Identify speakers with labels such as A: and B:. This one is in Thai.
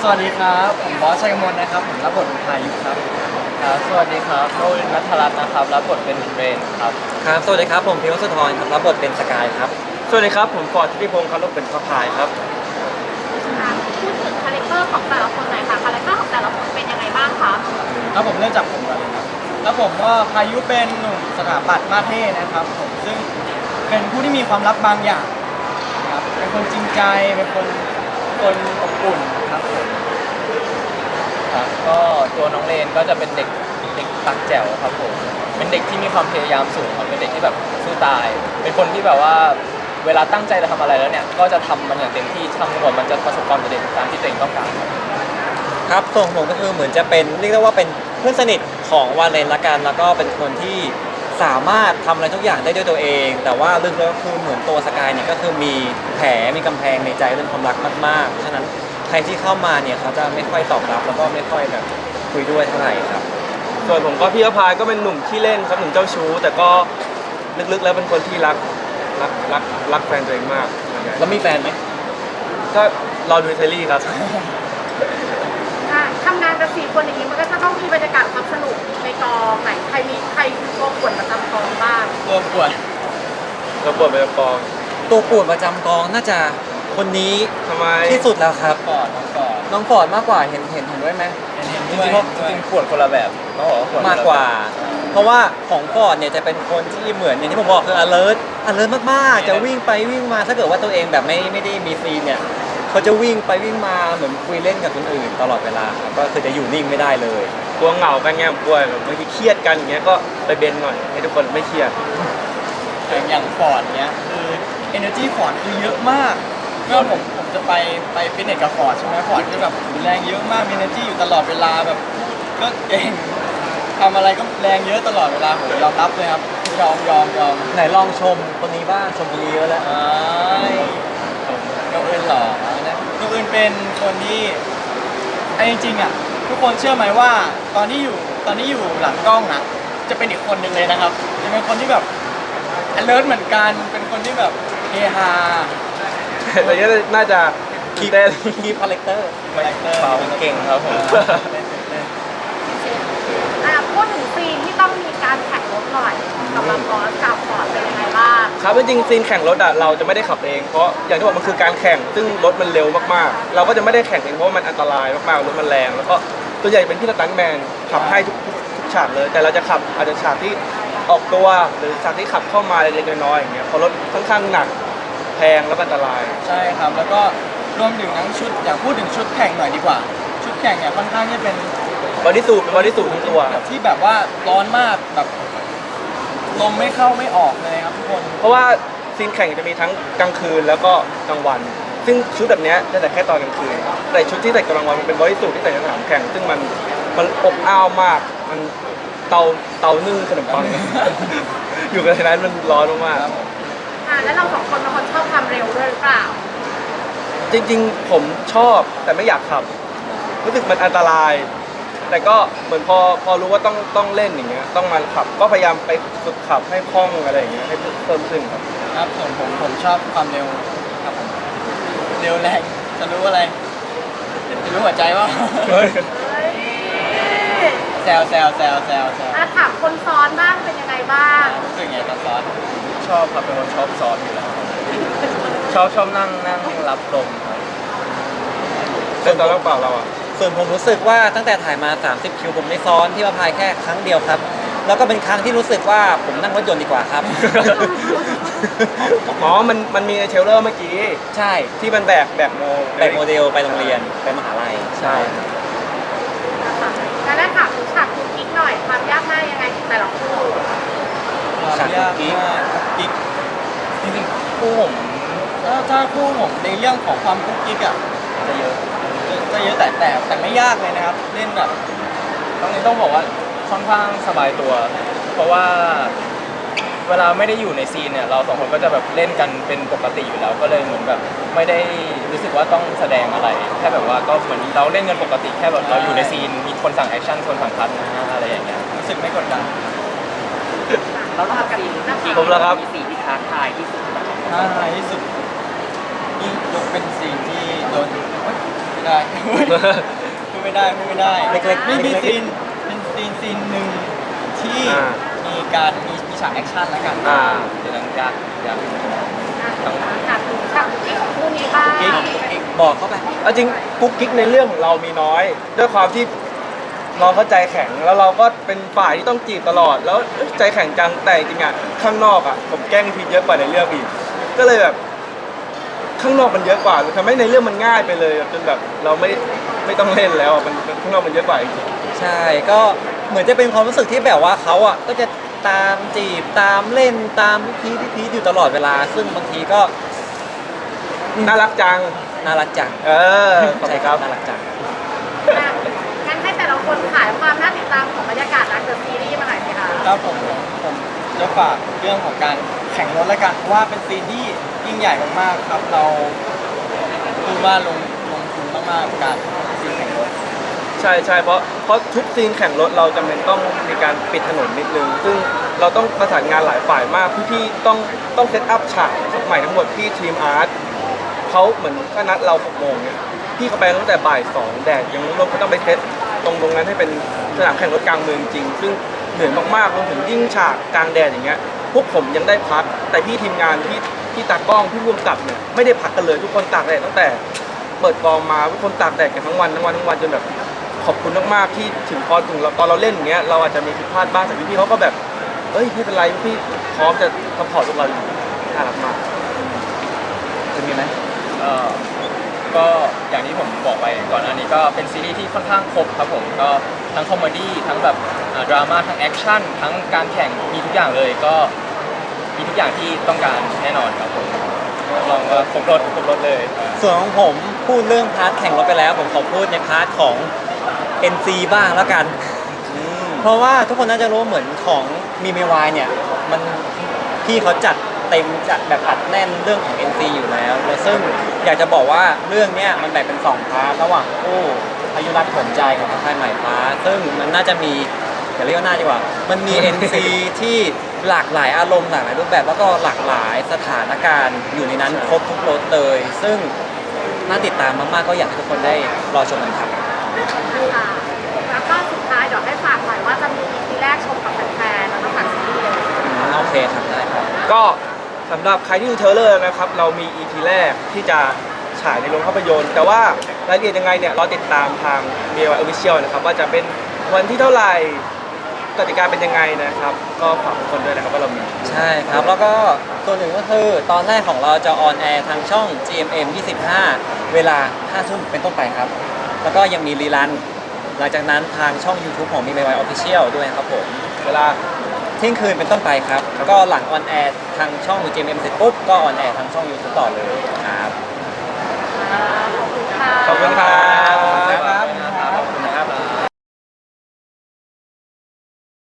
A: สวัสดีครับผมบอสชัยกมลนะครับผมรับบทเป็นพายุครับครับสวัสดีครับโรวินนัทรัตน์นะครับรับบทเป็นเรนครับ
B: ครับสวัสดีครับผมพิวสุธรครับรับบทเป็นสกายครับ
A: สวัสดีครับผมฟอร์ดทิติพงศ์ครับรับบทเป็นพระพายครับ
C: พูดถึงคาแรคเตอร์ของแต่ละคนหน่อยค่ะคาแรคเตอร์ของแต่ละคนเป็นยังไงบ้างคะ
A: แล้วผมเริ่มจากผมก่อนเลยครับแล้วผมว่าพายุเป็นหนุ่มสถาปัตย์มาเท่นะครับผมซึ่งเป็นผู้ที่มีความลับบางอย่างครับเป็นคนจริงใจเป็นคนอบอุ่นครับผมครับก็ตัวน้องเลนก็จะเป็นเด็กปากแจ๋วครับผมเป็นเด็กที่มีความพยายามสูงครับเป็นเด็กที่แบบสู้ตาย เป็นคนที่แบบว่าเวลาตั้งใจจะทำอะไรแล้วเนี่ยก็จะทำมันอย่างเต็มที่ทำหมดมันจะประสบความสำเร็จตามที่ตัวเองต้องการ
B: ครับส่วนผมก็คือเหมือนจะเป็นเรียกได้ว่าเป็นเพื่อนสนิทของวาเลนละกันแล้วก็เป็นคนที่สามารถทำอะไรทุกอย่างได้ด้วยตัวเอง แต่ว่าลึกแล้วคือเหมือนตัวสกายเนี่ยก็คือมีแผลมีกำแพงในใจเรื่องความรักมากๆเพราะฉะนั้นใครที่เข้ามาเนี่ยเขาจะไม่ค่อยตอบรับแล้วก็ไม่ค่อยแบบคุยด้วยเท่าไหร่ครับ
A: ส่วนผมก็พี่อภายก็เป็นหนุ่มขี้เล่นครับหนุ่มเจ้าชู้แต่ก็ลึกๆแล้วเป็นคนที่รักแฟนตัวเองมาก
B: แล้วมีแฟนไหม
A: ก็รอดูเทลลี่ครับ
C: ทำงานกับ4 คนอย่างนี้มันก็จะต้องมีบรรยากาศความสนุกในกองไหนใครคือตัวป่วนประจำกองบ้าง
A: ตัวป่วนไปกอง
B: ตัวป่วนประจำกองน่าจะคนนี้
A: ทำไม
B: ที่สุดแล้วครับ
A: น้อง
B: ฟอร์ดมากกว่าเห็นด้วยไหม
A: จริงๆป่วนคนละแบบต้องบอกว่าป่วน
B: มากกว่าเพราะว่าของฟอร์ดเนี่ยจะเป็นคนที่เหมือนอย่างที่ผมบอกคือ alert มากๆจะวิ่งไปวิ่งมาถ้าเกิดว่าตัวเองแบบไม่ได้มีซีนเนี่ยเขาจะวิ่งไปวิ่งมาเหมือนคุยเล่นกับคนอื่นตลอดเวลาครับก็คือจะอยู่นิ่งไม่ได้เลย
A: กลัวเหงากันไงกลัวแบบบางทีเครียดกันอย่างเงี้ยก็ไปเบนหน่อยให้ทุกคนไม่เครียดอย่างฟอร์ดเนี้ยคือ energy ฟอร์ดคือเยอะมากเมื่อผมจะไปฟิตเนสกับฟอร์ดใช่ไหมฟอร์ดก็แบบแรงเยอะมากมี energy อยู่ตลอดเวลาแบบก็เก่งทำอะไรก็แรงเยอะตลอดเวลาผมยอมรับเลยครับยอม
B: ไหนลองชมคนนี้บ้างชมคนนี้เยอะแล้ว
A: น้องอื่นหรอนะน้องอื่นเป็นคนที่ไอ้จริงๆอ่ะทุกคนเชื่อไหมว่าตอนที่อยู่หลังกล้องอ่ะจะเป็นอีกคนหนึ่งเลยนะครับจะเป็นคนที่แบบ alert เหมือนกันเป็นคนที่แบบเฮฮาแต่ก็น่าจะ
B: คีปคาแรคเตอร์
A: เปล่าเก่งครับผม
C: พูดถึงซีนที่ต้องมีการแข่งรถหน่อยสำหรับบอสกับฟอร์ดเป็นยังไงบ้าง
A: ครับจริงๆซีนแข่งรถอ่ะเราจะไม่ได้ขับเองเพราะอย่างที่บอกมันคือการแข่งซึ่งรถมันเร็วมากๆเราก็จะไม่ได้แข่งเองเพราะมันอันตรายมากๆรถมันแรงแล้วก็ตัวใหญ่เป็นพี่สตันท์แมนขับให้ทุกฉากเลยแต่เราจะขับอาจจะฉากที่ออกตัวหรือฉากที่ขับเข้ามาเล็กๆน้อยๆอย่างเงี้ยเพราะรถค่อนข้างหนักแพงแล้วอันตรายใช่ครับแล้วก็รวมถึงทั้งชุดอยากพูดถึงชุดแข่งหน่อยดีกว่าชุดแข่งเนี่ยค่อนข้างที่เป็นบอดี้สูททั้งตัวที่แบบว่าร้อนมากแบบลมไม่เข้าไม่ออกเลยครับทุกคนเพราะว่าซีนแข่งจะมีทั้งกลางคืนแล้วก็กลางวันซึ่งชุดแบบนี้จะแต่แค่ตอนกลางคืนแต่ชุดที่ใส่กลางวันมันเป็นบอดี้สูทที่ใส่ในสนามแข่งซึ่งมันอบอ้าวมากมันเตานึ่งขนมปัง อยู่กันในนั้นมันร้อนมาก
C: แล้วเรา2 คนเป็นคนชอบความเร็วด้วยหรือเปล่า
A: จริงๆผมชอบแต่ไม่อยากขับรู้สึกมันอันตรายแต่ก็เหมือนพอรู้ว่าต้องเล่นอย่างเงี้ยต้องมาขับก็พยายามไปฝึกขับให้คล่องอะไรอย่างเงี้ยให้เพิ่มขึ้นครับส่วนผมชอบความเร็วครับผมเร็วแรงจะรู้อะไรจะรู้หัวใจว่าแซว
C: ถามคนซ้อนบ้างเป็นยังไงบ้าง
A: รู้สึกไงตอนซ้อนชอบครับเป็นคนชอบซ้อนอยู่แล้วชอบนั่งรับลมครับเป็นตอนเปล่าเราอ่ะ
B: ส่วนผมรู้สึกว่าตั้งแต่ถ่ายมา30คิวผมได้ซ้อนที่ว่าพายแค่ครั้งเดียวครับแล้วก็เป็นครั้งที่รู้สึกว่าผมนั่งรถยนต์ดีกว่าครับ
A: อ๋อมันมีในเทรลเลอร์เมื่อกี้
B: ใช่
A: ที่มันแบกโม
B: เดลไปโรงเรียนไปมหาลัย
A: ใช่
C: แล้วได้ถามถึงฉากคุกกิ๊กหน่อยความยากง่ายยังไงแต่ละคู่
A: ฉากคุกกิ๊กจริงๆคู่ผมถ้าคู่ผมในเรื่องของความคุกกิ๊กอ่ะจะเยอะแต่ไม่ยากเลยนะครับเล่นแบบต้องบอกว่าค่อนข้างสบายตัวเพราะว่าเวลาไม่ได้อยู่ในซีนเนี่ยเรา2 คนก็จะแบบเล่นกันเป็นปกติอยู่แล้วก็เลยเหมือนแบบไม่ได้รู้สึกว่าต้องแสดงอะไรแค่แบบว่าก็เหมือนเราเล่นกันปกติแค่แบบเราอยู่ในซีนมีคนสั่งแอคชั่นคนสั่งคัทนะอะไรอย่างเงี้ยรู้สึกไม่กดดัน
C: แล้วเรากับ
A: ผมแล้วครับ
C: มีสีที่ท้าทายที่สุด
A: นี่ยกเป็นซีนที่โดน
D: ไม่ได้ พูดไม่ได้พูดไม่ได้
B: เล็กๆ
D: ไม่มี
B: เล็กๆ
D: ซีนเป็นซีนหนึ่งที่
A: อ่า
D: มีการมีฉากแอคชั่นแล้วกัน
A: อ่า
D: เดี๋ยวนั้นอยาก
C: ฉากถึงฉากที่ของคู่นี้บ้าง
D: กิ๊ก
B: บอกเข้าไป
A: เอาจริงกุ๊กกิ๊กในเรื่องของเรามีน้อย ด้วยความที่เราเข้าใจแข็งแล้วเราก็เป็นฝ่ายที่ต้องจีบตลอด แล้วใจแข็งจังแต่จริงๆอ่ะข้างนอกอ่ะผมแกล้งพีเยอะกว่าในเรื่องอีกก็เลยแบบข้างนอกมันเยอะกว่าทำให้ในเรื่องมันง่ายไปเลยจนแบบเราไม่ต้องเล่นแล้วอะมันข้างนอกมันเยอะกว่าจริง
B: ใช่ก็เหมือนจะเป็นความรู้สึกที่แบบว่าเขาอ่ะก็จะตามจีบตามเล่นตามพีอยู่ตลอดเวลา ซึ่งบางทีก็
A: น่ารักจัง
B: น่ารักจัง
A: เออขอบ
B: ใช่
A: คุณ
B: ค
A: ค
B: รั
A: รั
B: บบ น่ารักจัง
C: งั้นให้แต่ละคนขายความน่าติดตามของบรรยากาศรักเดอะซีรีส์มาหน่อยสิคะ
D: ครับผมจะฝากเรื่องของการแข่งรถแล้วกันเพราะว่าเป็นซีนที่ยิ่งใหญ่มากๆครับเราพูดว่าลงทุนมากๆกับการซีนแข่งรถ
A: ใช่เพราะทุกซีนแข่งรถเราจำเป็นต้องมีการปิดถนนนิดนึง ซึ่งเราต้องประสานงานหลายฝ่ายมากพี่ๆต้องเซตอัพฉากใหม่ทั้งหมดพี่ทีมอาร์ตเขาเหมือนก็นัดเรา6 โมงเนี่ยพี่เขาไปตั้งแต่บ่าย 2แดดยังร้อนเขาต้องไปเซตตรงนั้นให้เป็นสนามแข่งรถกลางเมืองจริง ซึ่งเหนื่อยมากๆรวมถึงยิ่งฉากกลางแดดอย่างเงี้ยพวกผมยังได้พักแต่พี่ทีมงานพี่ตากล้องพี่ร่วมกับเนี่ยไม่ได้พักกันเลยทุกคนตากแดดตั้งแต่เปิดกองมาทุกคนตากแดดกันทั้งวันจนแบบ ขอบคุณมากๆที่ถึงตอนเราเล่นอย่างเงี้ยเราอาจจะมีผิดพลาดบ้างแต่พี่ๆเขาก็แบบเอ้ยไม่เป็นไรพี่พร้อมจะซัพพอร์ตพวกเราอยู่น่ารักมาก
B: จะมีไหม
E: ก็อย่างที่ผมบอกไปก่อนหน้านี้ก็เป็นซีรีส์ที่ค่อนข้างครบครับผมก็ทั้งคอมเมดี้ทั้งแบบดราม่าทั้งแอคชั่นทั้งการแข่งมีทุกอย่างเลยก็มีทุกอย่างที่ต้องการแน่นอนครับผมลองว่าครบรถเลย
B: ส่วนของผมพูดเรื่องพาร์ทแข่งรถไปแล้ว ผมขอพูดในพาร์ทของ NC บ้างแล้วกัน เพราะว่าทุกคนน่าจะรู้เหมือนของมีเมวายเนี่ยมันพี่เขาจัดเต็มจัดแบบอัดแน่นเรื่องของ NC อยู่แล้วและซึ่งอยากจะบอกว่าเรื่องเนี้ยมันแบ่งเป็น2พาร์ทระหว่างคู่อายุรักผลใจของค่ายใหม่ฟ้า ซึ่งมันน่าจะมีอย่าเรียกว่าน่าดีกว่า มันมี NC ที่หลากหลายอารมณ์หลากหลายรูปแบบแล้วก็หลากหลายสถานการณ์อยู่ในนั้นครบทุกรสเลย ซึ่งน่าติดตามมากๆก็อยากให้ทุกคนได้รอชมกันครับ
C: ค่ะแล้วก็สุดท้ายเดี๋ยวให้ฝากหน่อยว่าจะมี EP แรกชมกับแฟนๆแล้วก็ฝากซีรีส์เลย
B: โอเคครับได้ครับ
A: ก็สำหรับใครที่ดูเทรลเลอร์นะครับเรามี EP แรกที่จะฉายในโรงภาพยนตร์ แต่ว่ารายละเอียดยังไงเนี่ยเราติดตามทาง b ี o Official นะครับว่าจะเป็นวันที่เท่าไหร่กติกาเป็นยังไงนะครับก็ฝากทุกคนด้วยนะครับว่าเรามี
B: ใช่ครับ แล้วก็ตัวหนึ่งก็คือตอนแรกของเราจะออนแอร์ทางช่อง GMM 25 เวลา 5 ทุ่มเป็นต้นไปครับ แล้วก็ยังมีรีรัน หลังจากนั้นทางช่อง YouTube ของ MIY Official ด้วยครับผม
A: เวลา
B: เที่ยงคืนเป็นต้นไปครับ ก็หลังออนแอร์ทางช่อง GMM เสร็จปุ๊บ ก็ออนแอร์ทางช่อง YouTube ต่อเลยครับ
C: ข